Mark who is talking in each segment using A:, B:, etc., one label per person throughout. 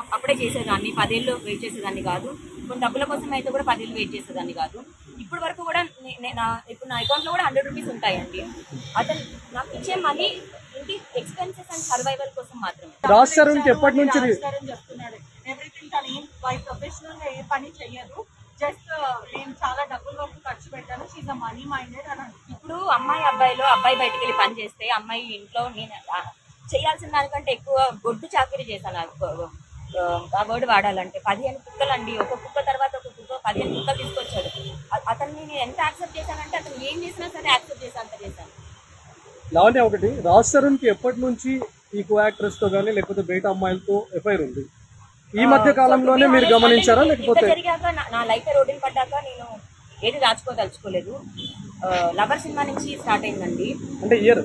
A: అప్పుడే చేసేదాన్ని, 10 ఏళ్ళు వెయిట్ చేసేదాన్ని కాదు. కొన్ని డబ్బుల కోసం అయితే కూడా 10 ఏళ్ళు వెయిట్ చేసేదాన్ని కాదు. ఇప్పటి వరకు కూడా ఇప్పుడు నా అకౌంట్లో కూడా 100 రూపీస్ ఉంటాయండి. అతను నాకు ఇచ్చే మనీ ఏంటి ఎక్స్పెన్సెస్ అండ్ సర్వైవల్ కోసం మాత్రమే.
B: రాజ్ తరుణ్ ఎప్పటి నుంచి
C: చెప్తున్నాడు ఎవ్రీథింగ్ తను ఏం ప్రొఫెషనల్ గా ఏ పని చెయ్యదు, జస్ట్ నేను చాలా డబ్బుల వరకు ఖర్చు పెట్టాను, షీజ్ అ మనీ మైండెడ్ అని.
A: ఇప్పుడు అబ్బాయి బయటికి వెళ్ళి పని చేస్తే అమ్మాయి ఇంట్లో నేను చేయాల్సిన దానికంటే ఎక్కువ గొడ్డు చాకరీ చేశాను. ఆ వర్డ్ వాడాలంటే 15 కుక్కలు అండి, ఒక కుక్క తర్వాత ఒక కుక్క 15 కుక్కలు తీసుకొచ్చాడు. అతన్ని నేను ఎంత యాక్సెప్ట్ చేశానంటే అతను ఏం చేసినా సరే యాక్సెప్ట్ చేశాను, అంత చేశాను.
B: లావణ్య, ఒకటి రాజ్ తరుణ్ కి ఎప్పటి నుంచి ఈ కో యాక్ట్రెస్ తో కానీ లేకపోతే బయట అమ్మాయిలతో ఎఫ్ఐఆర్ ఉంది? ఈ మధ్య కాలంలోనే మీరు గమనించారా లేకపోతే
A: జరిగాక నా లైఫ్ రోడ్డుని పడ్డాక నేను ఏది దాచుకోదలుచుకోలేదు. లవర్ సినిమా నుంచి స్టార్ట్ అయిందండి,
B: అంటే ఇయర్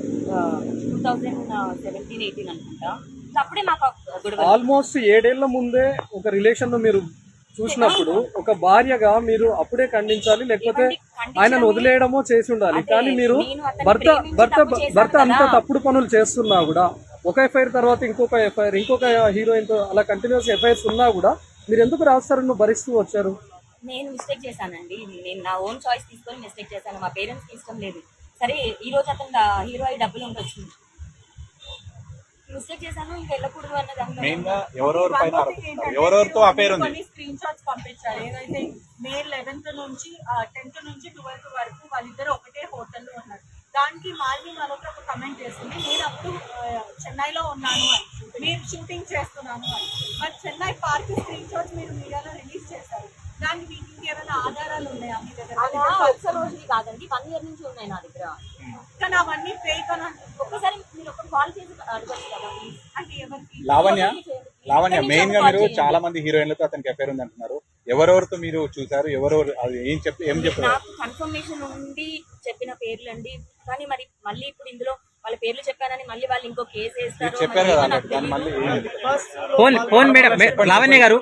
A: 2017-18 అనుకుంటా. అప్పుడే మాకు
B: ఆల్మోస్ట్ 7 ఏళ్ల ముందే ఒక రిలేషన్ లో మీరు చూసినప్పుడు ఒక భార్యగా మీరు అప్పుడే ఖండించాలి, లేకపోతే ఆయనను వదిలేయడమో చేసి ఉండాలి. కానీ మీరు భర్త అంత తప్పుడు పనులు చేస్తున్నా కూడా ఒక ఎఫ్ఐఆర్ తర్వాత ఇంకొక ఎఫ్ఐఆర్, ఇంకొక హీరోయిన్ తో అలా కంటిన్యూస్ ఎఫ్ఐఆర్స్ ఉన్నా కూడా మీరు ఎందుకు రాజ్ తరుణ్ భరిస్తూ వచ్చారు?
A: నేను మిస్టేక్ చేశానండి, నేను నా ఓన్ చాయిస్ తీసుకొని మిస్టేక్ చేశాను. మా పేరెంట్స్కి ఇష్టం లేదు. సరే ఈ రోజు అతను హీరో అయి డబ్బులు ఉండొచ్చు, మిస్టేక్ చేశాను, ఇంకా వెళ్ళకూడదు
D: ఎవరెవరితో అఫైర్ ఉంది.
C: కొన్ని స్క్రీన్ షాట్స్ పంపించారు, ఏదైతే మే 11th నుంచి 10th నుంచి 12th వరకు వాళ్ళిద్దరు ఒకటే హోటల్లో ఉన్నారు. దానికి మాల్వి మరొక ఒక కమెంట్ చేస్తుంది, నేను అప్పుడు చెన్నైలో ఉన్నాను అని, మీరు షూటింగ్ చేస్తున్నాను అని. మరి చెన్నై పార్క్ స్క్రీన్ షాట్స్ మీరు మీడియాలో రిలీజ్ చేశారు, దానికి మీకు ఇంకేమైనా ఆధారాలు ఉన్నాయా మీ దగ్గర?
A: ఒక్క రోజుది కాదండి, 1 year నుంచి ఉన్నాయి నా దగ్గర.
C: కానీ అవన్నీ ఫేక్ అని
A: ఒక్కసారి మీరు ఒక కాల్ చేసి అడగచ్చు కదా.
C: అంటే ఎవరికి?
D: లావణ్య మెయిన్ గా మీరు చాలా మంది హీరోయిన్లతో అతనికి అఫైర్ ఉంది అంటున్నారు. ఎవరెవరితో మీరు చూసారు, ఎవరెవరు అది ఏం చెప్పారు?
A: నాకు కన్ఫర్మేషన్ ఉండి చెప్పిన పేర్లు అండి, కానీ మరి మళ్ళీ ఇప్పుడు ఇందులో వాళ్ళ పేర్లు చెప్పానని మళ్ళీ వాళ్ళు ఇంకో కేసు వేస్తారు.
D: చెప్పారు కదా మళ్ళీ
E: లావణ్య గారు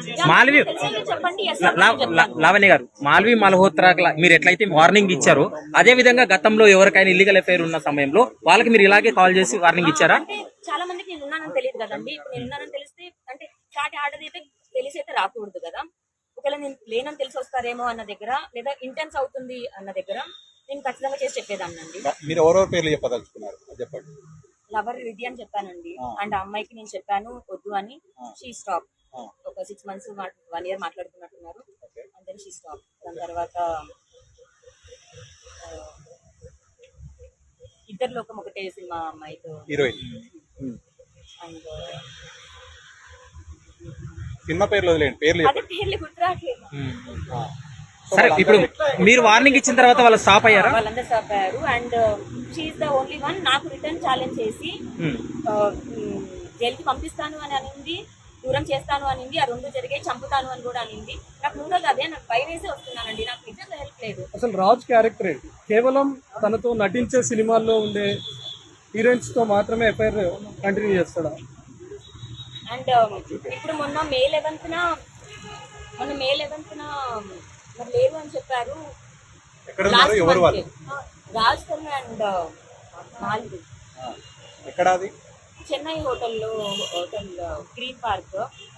E: మాల్వి మల్హోత్రా మీరు ఎట్లయితే వార్నింగ్ ఇచ్చారో అదే విధంగా గతంలో ఎవరికైనా ఇల్లీగల్ అఫైర్ ఉన్న సమయంలో వాళ్ళకి మీరు ఇలాగే కాల్ చేసి వార్నింగ్ ఇచ్చారా?
A: చాలా మందికి నేను ఉన్నానని తెలియదు కదండి. ఇప్పుడు నేను ఉన్నానని తెలిస్తే అంటే చాటి ఆర్డర్ అయితే తెలిసైతే రాకూడదు కదా. ఒకవేళ నేను లేనని తెలిసి వస్తారేమో అన్న దగ్గర, లేదా ఇంటెన్స్ అవుతుంది అన్న దగ్గర నేను ఖచ్చితంగా చేసి చెప్పేదాన్నండి.
D: మీరు ఎవరెవరి పేర్లు చెప్పదలుచుకున్నారు చెప్పండి.
A: లవర్ విధి అని చెప్పానండి, అండ్ ఆ అమ్మాయికి నేను చెప్పాను వద్దు అని. She stop. ఒక 6 months 1 year మాట్లాడుతున్నట్టున్నారు, అండ్ దెన్ షీ స్టాప్. దాని తర్వాత ఇద్దరు లోకం ఒకటే సినిమా అమ్మాయితో
D: హీరోయిన్.
A: అండ్
D: సినిమా పేర్లు వదిలేండి, పేర్లు
A: అదే పేర్లు గుర్తురాట్లేదు.
E: సరే, ఇప్పుడు మీరు వార్నింగ్ ఇచ్చిన తర్వాత వాళ్ళు స్టాప్ అయ్యారా?
A: వాళ్ళందరూ స్టాప్ అయ్యారు. And she's the only one నాకు రిటర్న్ ఛాలెంజ్ చేసి జైలుకి పంపిస్తాను అని అనింది, దూరం చేస్తాను అనింది. ఆ 2 జరిగాయి, చంపుతాను అని కూడా అనింది. నాకు 3 అదే, నాకు భయం వేసి వస్తున్నానండి, నాకు నిజంగా హెల్ప్ లేదు.
B: అసలు రాజ్ క్యారెక్టర్ కేవలం తనతో నటించే సినిమాల్లో ఉండే హీరోయిన్స్ తో మాత్రమే ఎఫ్ఐఆర్ కంటిన్యూ చేస్తాడా?
A: అండ్ ఇప్పుడు మొన్న మే 11th మరి లేదు అని చెప్పారు. Raj Tarun and Malvi Chennai hotel green park.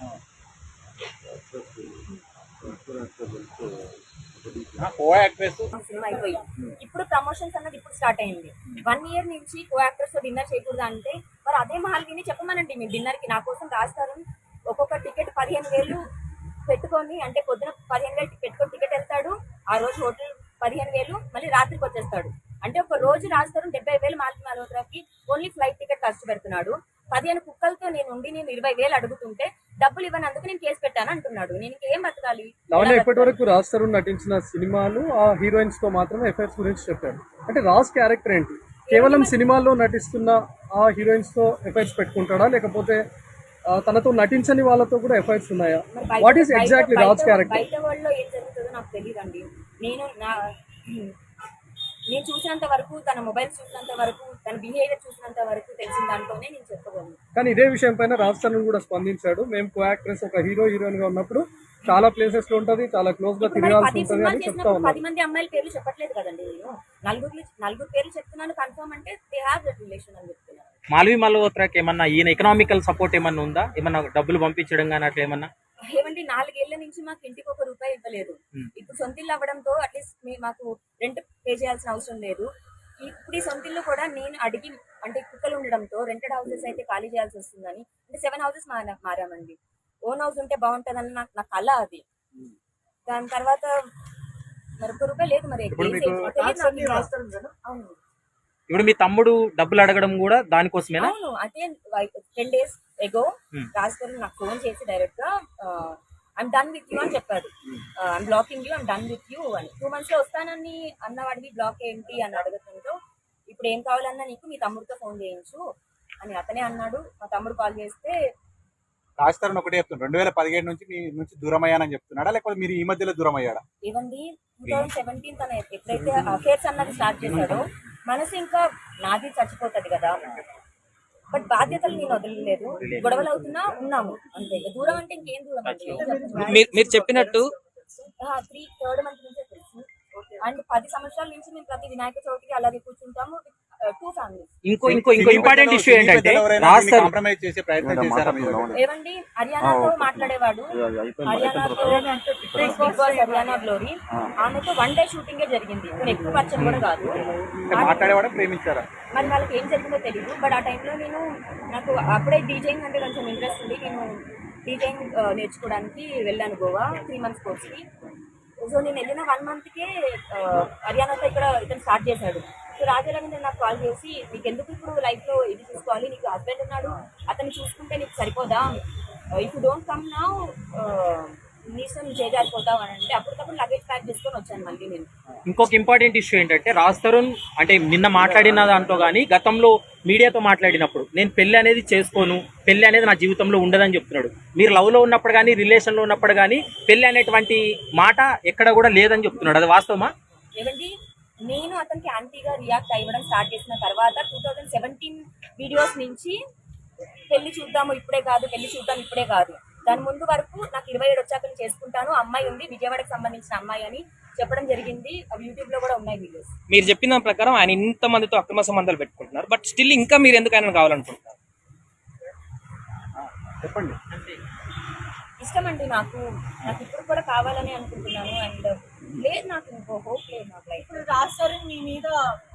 A: సినిమా అయిపోయి ఇప్పుడు ప్రమోషన్స్ అన్నది ఇప్పుడు స్టార్ట్ అయింది. 1 year నుంచి కో యాక్టర్స్ తో డిన్నర్ చేయకూడదు అంటే మరి అదే మాల్విని చెప్పమనండి మీ డిన్నర్ కి. నా కోసం రాజ్ తరుణ్ ఒక్కొక్క టికెట్ 15,000 పెట్టుకొని, అంటే పొద్దున 15,000 పెట్టుకొని టికెట్ వెళ్తాడు, ఆ రోజు హోటల్ 15,000, మళ్ళీ రాత్రికి వచ్చేస్తాడు. అంటే ఒక రోజు రాజ్ తరుణ్ 70,000 మాల్వి మల్హోత్రాకి ఓన్లీ ఫ్లైట్ టికెట్ ఖర్చు పెడుతున్నాడు. 15 కుక్కలతో నేను 20,000 అడుగుతుంటే డబ్బులు ఇవ్వనందుకు నేను కేసు పెట్టాను అంటున్నాడు. నేను ఇంకేం బతకాలి?
B: ఇప్పటి వరకు రాజ్ తరుణ్ నటించిన సినిమాలు ఆ హీరోయిన్స్ తో మాత్రమే ఎఫ్ఐఆర్స్ గురించి చెప్పారు. అంటే రాజ్ క్యారెక్టర్ ఏంటి? కేవలం సినిమాల్లో నటిస్తున్న ఆ హీరోయిన్స్ తో ఎఫ్ఐఆర్స్ పెట్టుకుంటాడా, లేకపోతే తనతో నటించని వాళ్ళతో కూడా ఎఫ్ఐఆర్స్ ఉన్నాయా? What is exactly Raj character?
A: బయట వరల్డ్ లో ఏం జరుగుతుందో నాకు తెలియదండి. నేను చూసినంత వరకు, తన మొబైల్స్ చూసినంత వరకు, తన బిహేవియర్ చూసినంత వరకు తెలిసిన దాంట్లోనే నేను చెప్పగలను.
B: కానీ ఇదే విషయం పైన రాజ్ తరుణ్ కూడా స్పందించాడు. మేము కో యాక్ట్రెస్ ఒక హీరోయిన్ గా ఉన్నప్పుడు చాలా ప్లేసెస్ లో ఉంటది, చాలా క్లోజ్ గా తిరగాల్సి ఉంటుంది అని చెప్తా ఉన్నాను.
A: 10 మంది అమ్మాయిల పేర్లు చెప్పట్లేదు కదండి, నేను 4 పేర్లు చెప్తున్నాను కన్ఫర్మ్ అంటే దే హావ్ దట్ రిలేషన్ అని చెప్తున్నాను.
E: మాల్వి మల్హోత్రాకి ఏమన్నా ఈయన ఎకనామికల్ సపోర్ట్ ఏమన్నా ఉందా, ఏమన్నా డబ్బులు పంపించడం కానీ అట్లా ఏమన్నా?
A: ఏమండి 4 ఏళ్ల నుంచి మాకు ఇంటికి ₹1 ఇవ్వలేదు. ఇప్పుడు సొంత ఇల్లు అవ్వడంతో అట్లీస్ట్ మాకు రెంట్ పే చేయాల్సిన అవసరం లేదు. ఇప్పుడు ఈ సొంత ఇల్లు కూడా నేను అడిగి, అంటే కుక్కలు ఉండడంతో రెంటెడ్ హౌసెస్ అయితే ఖాళీ చేయాల్సి వస్తుందని, అంటే 7 హౌసెస్ మారామండి. ఓన్ హౌస్ ఉంటే బాగుంటుందని నా కళ అది. దాని తర్వాత మరి ₹1 లేదు. మరి
B: ఇప్పుడు మీకు tax అన్ని రాస్తారు కదా?
A: అవును
E: ఇప్పుడు మీ తమ్ముడు డబ్బులు అడగడం కూడా దానికోసమేనా?
A: అవును అదే 10 days ago రాజ్ గారు నాకు ఫోన్ చేసి డైరెక్ట్ గా ఐమ్ డన్ విత్ యూ అని చెప్పాడు. I'm blocking you, I'm done with you అని. 2 months లో వస్తానని అన్నవాడివి బ్లాక్ ఏంటి అని అడగడంతో, ఇప్పుడు ఏం కావాలన్నా నీకు మీ తమ్ముడితో ఫోన్ చేయించు అని అతనే అన్నాడు. మా తమ్ముడు కాల్ చేస్తే
D: రాజ్ తరుణ్ ఒకటే చెప్తున్నాడు, 2017 నుంచి మీ నుంచి దూరం అయ్యానని చెప్తున్నాడా, లేకపోతే మీరు ఈ మధ్యలో దూరం అయ్యాడా?
A: ఏమండి 2017 తన ఎప్పుడైతే అఫేర్స్ అన్నది స్టార్ట్ చేశాడో మనసు ఇంకా నాది చచ్చిపోతుంది కదా. బట్ బాధ్యతలు నేను వదలలేదు. గొడవలు అవుతున్నా ఉన్నాము అంతే. దూరం అంటే ఇంకేం దూరం అండి.
E: మీరు చెప్పినట్టు
A: 3rd month నుంచే తెలుసు. అండ్ 10 సంవత్సరాల నుంచి మేము ప్రతి వినాయక చవితికి అలాగే కూర్చుంటాము. 2 families.
E: ఇంకో ఇంపార్టెంట్ ఇష్యూ ఏంటంటే రాజ్ తరుణ్
D: కాంప్రమైజ్ చేసే ప్రయత్నం చేశారా మీరు?
A: ఏమండి హర్యానాతో మాట్లాడేవాడు. హర్యానాతో బిగ్ బాస్ హర్యానా గ్లోరీ, ఆమెతో 1 day షూటింగే జరిగింది. ఎక్కువ పరిచయం కూడా కాదు.
D: మాట్లాడేవాడా, ప్రేమించారా?
A: మరి వాళ్ళకి ఏం జరిగిందో తెలియదు. బట్ ఆ టైంలో నాకు అప్పుడే డీజేయింగ్ అంటే కొంచెం ఇంట్రెస్ట్ ఉంది. నేను డీజేయింగ్ నేర్చుకోవడానికి వెళ్ళాను గోవా 3 months కోర్స్కి. సో నేను వెళ్ళిన 1 monthకే హర్యానాతో ఇతను స్టార్ట్ చేశాడు. సో రాజారవీంద్ర నాకు కాల్ చేసి, నీకు ఎందుకు ఇప్పుడు లైఫ్లో ఇది చూసుకోవాలి, నీకు హస్బెండ్ ఉన్నాడు, అతన్ని చూసుకుంటే నీకు సరిపోదా, if you don't come now నీ ఇష్టం చేజారిపోతావు అని అంటే, అప్పటికప్పుడు లగేజ్ ప్యాక్ చేసుకొని వచ్చాను మళ్ళీ నేను.
E: ఇంకొక ఇంపార్టెంట్ ఇష్యూ ఏంటంటే రాజ్ తరుణ్ అంటే నిన్న మాట్లాడిన దాంట్లో కానీ గతంలో మీడియాతో మాట్లాడినప్పుడు నేను పెళ్లి అనేది చేసుకోను, పెళ్లి అనేది నా జీవితంలో ఉండదని చెప్తున్నాడు. మీరు లవ్ లో ఉన్నప్పుడు కానీ రిలేషన్ లో ఉన్నప్పుడు కానీ పెళ్లి అనేటువంటి మాట ఎక్కడ కూడా లేదని చెప్తున్నాడు. అది వాస్తవమా?
A: ఏమండి నేను అతనికి యాంటీగా రియాక్ట్ అవ్వడం స్టార్ట్ చేసిన తర్వాత 2017 వీడియోస్ నుంచి పెళ్లి చూద్దాము ఇప్పుడే కాదు, పెళ్లి చూద్దాం ఇప్పుడే కాదు, దాని ముందు వరకు నాకు 27 వచ్చాక నేను చేసుకుంటాను, అమ్మాయి ఉంది విజయవాడకి సంబంధించిన అమ్మాయి అని చెప్పడం జరిగింది. అవి యూట్యూబ్ లో కూడా ఉన్నాయి వీడియోస్.
F: మీరు చెప్పిన ప్రకారం ఆయన ఇంత మందితో అక్రమ సంబంధాలు పెట్టుకుంటున్నారు, బట్ స్టిల్ ఇంకా మీరు ఎందుకు ఆయన కావాలనుకుంటున్నారు?
D: చెప్పండి.
A: ఇష్టం అండి నాకు ఇప్పుడు కూడా కావాలని అనుకుంటున్నాను. అండ్ లేదు నాకు ఇంకో హోప్ లేదు నాకు లైఫ్.
C: ఇప్పుడు రాజ్ తరుణ్ మీ మీద